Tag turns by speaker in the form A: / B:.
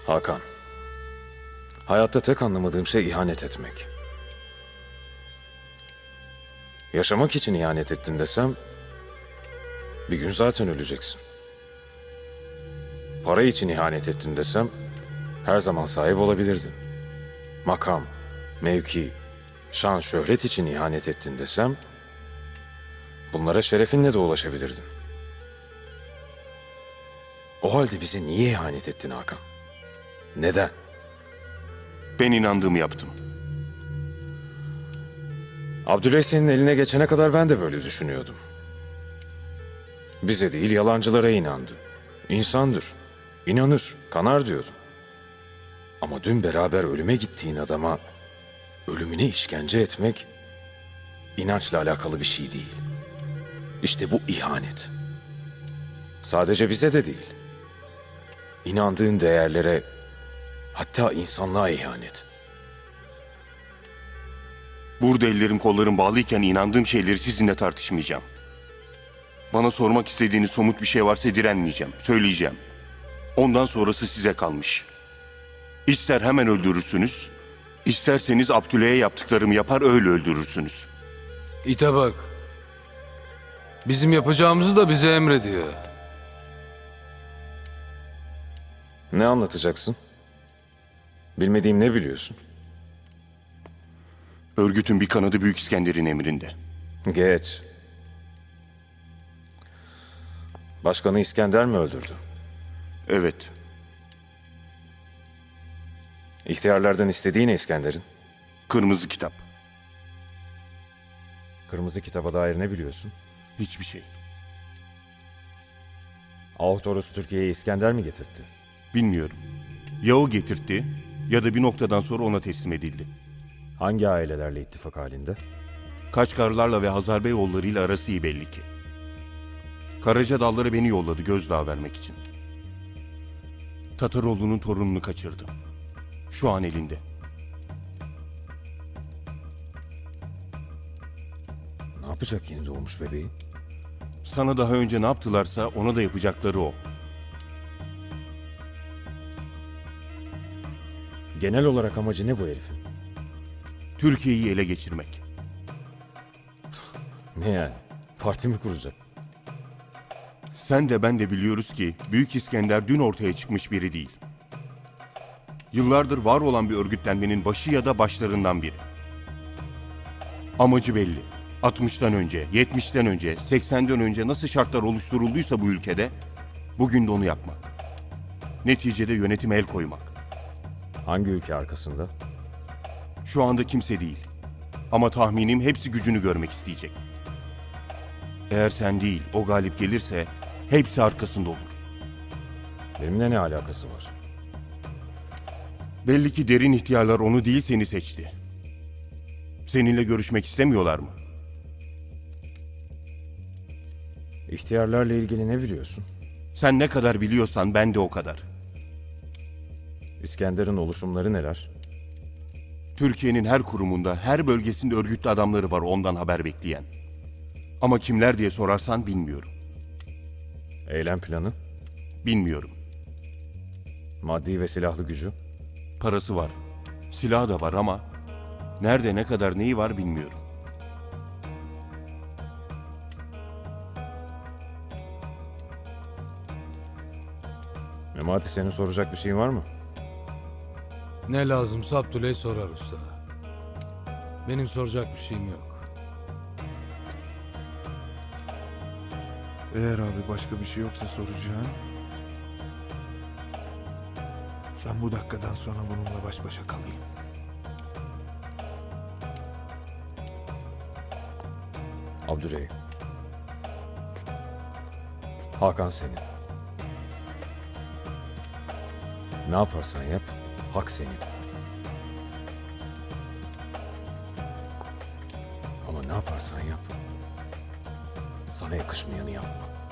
A: Hakan, hayatta tek anlamadığım şey ihanet etmek. Yaşamak için ihanet ettin desem, bir gün zaten öleceksin. Para için ihanet ettin desem, her zaman sahip olabilirdin. Makam, mevki, şan, şöhret için ihanet ettin desem, bunlara şerefinle de ulaşabilirdin. O halde bize niye ihanet ettin Hakan? Neden?
B: Ben inandığımı yaptım.
A: Abdüley senin eline geçene kadar ben de böyle düşünüyordum. Bize değil yalancılara inandı. İnsandır, inanır, kanar diyordum. Ama dün beraber ölüme gittiğin adama ölümüne işkence etmek inançla alakalı bir şey değil. İşte bu ihanet. Sadece bize de değil. İnandığın değerlere, hatta insanlığa ihanet.
B: Burada ellerim kollarım bağlıyken inandığım şeyleri sizinle tartışmayacağım. Bana sormak istediğiniz somut bir şey varsa direnmeyeceğim, söyleyeceğim. Ondan sonrası size kalmış. İster hemen öldürürsünüz, isterseniz Abdüley'e yaptıklarımı yapar öyle öldürürsünüz.
C: İte bak. Bizim yapacağımızı da bize emrediyor.
A: Ne anlatacaksın? Bilmediğim ne biliyorsun?
B: Örgütün bir kanadı Büyük İskender'in emrinde.
A: Geç. Başkanı İskender mi öldürdü?
B: Evet,
A: İhtiyarlardan istediği ne İskender'in?
B: kırmızı kitap.
A: Kırmızı kitaba dair ne biliyorsun?
B: Hiçbir şey.
A: Ahtoros Türkiye'ye İskender mi getirtti?
B: Bilmiyorum. Ya o getirtti ya da bir noktadan sonra ona teslim edildi.
A: Hangi ailelerle ittifak halinde?
B: Kaçkarlarla ve Hazarbeyoğulları'yla arası iyi belli ki. Karaca Dalları beni yolladı gözdağı vermek için. Tataroğlu'nun torununu kaçırdım. Şu an elinde.
A: Ne yapacak yeni doğmuş bebeği?
B: Sana daha önce ne yaptılarsa ona da yapacakları o.
A: Genel olarak amacı ne bu herifin?
B: Türkiye'yi ele geçirmek.
A: Ne yani? Parti mi kuracak?
B: Sen de ben de biliyoruz ki Büyük İskender dün ortaya çıkmış biri değil. Yıllardır var olan bir örgütlenmenin başı ya da başlarından biri. Amacı belli. 60'tan önce, 70'ten önce, 80'den önce nasıl şartlar oluşturulduysa bu ülkede bugün de onu yapmak. Neticede yönetime el koymak.
A: Hangi ülke arkasında?
B: Şu anda kimse değil. Ama tahminim hepsi gücünü görmek isteyecek. Eğer sen değil o galip gelirse hepsi arkasında olur.
A: Benimle ne alakası var?
B: Belli ki derin ihtiyarlar onu değil seni seçti. Seninle görüşmek istemiyorlar mı?
A: İhtiyarlarla ilgili ne biliyorsun?
B: Sen ne kadar biliyorsan ben de o kadar.
A: İskender'in oluşumları neler?
B: Türkiye'nin her kurumunda, her bölgesinde örgütlü adamları var ondan haber bekleyen. Ama kimler diye sorarsan bilmiyorum.
A: Eylem planı,
B: Bilmiyorum.
A: maddi ve silahlı gücü.
B: Parası var. Silahı da var ama nerede ne kadar neyi var bilmiyorum.
A: Memati senin soracak bir şeyin var mı?
C: Ne lazımsa Abdüley sorar usta. Benim soracak bir şeyim yok.
D: Eğer abi başka bir şey yoksa soracağım. Ben bu dakikadan sonra bununla baş başa kalayım.
A: Abdüley. Hakan senin. Ne yaparsan yap, hak senin. Ama ne yaparsan yap, sana yakışmayanı yapma.